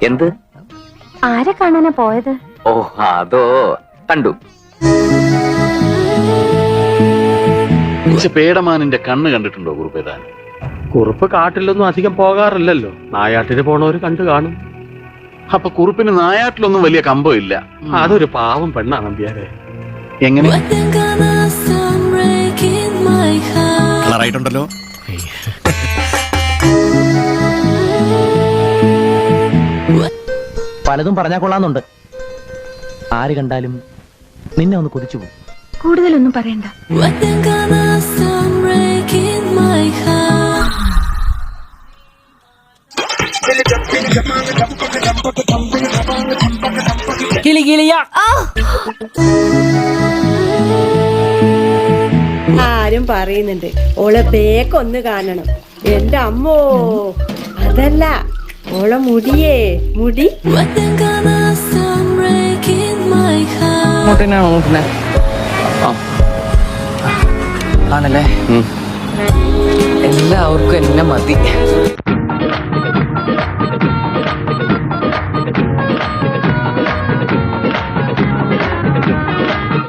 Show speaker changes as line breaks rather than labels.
എന്ത്?
ആരെ കാണാനാ പോയത്?
ഓ അതോ, കണ്ടു.
പേടമാനിന്റെ കണ്ണ് കണ്ടിട്ടുണ്ടോ കുറുപ്പേതാൻ?
കുറുപ്പ് കാട്ടിലൊന്നും അധികം പോകാറില്ലല്ലോ. നായാട്ടിന് പോണവര് കണ്ടു കാണും.
അപ്പൊ കുറുപ്പിന് നായാട്ടിലൊന്നും വലിയ കമ്പം ഇല്ല.
അതൊരു പാവം പെണ്ണാണ് നമ്പ്യാരെ.
എങ്ങനെ?
കളറായിട്ടുണ്ടല്ലോ.
പലതും പറഞ്ഞാൽ കൊള്ളാന്നുണ്ട്. ആര് കണ്ടാലും നിന്നെ ഒന്ന് കൊതിച്ചു പോകും.
കൂടുതലൊന്നും പറയണ്ട.
ആരും പറയുന്നുണ്ട് ഓളെ ബേക്കൊന്ന് കാണണം. എന്റെ അമ്മോ, അതല്ല ഓളെ മുടിയേ, മുടി
ആണല്ലേ? എല്ലാവർക്കും എന്നെ മതി.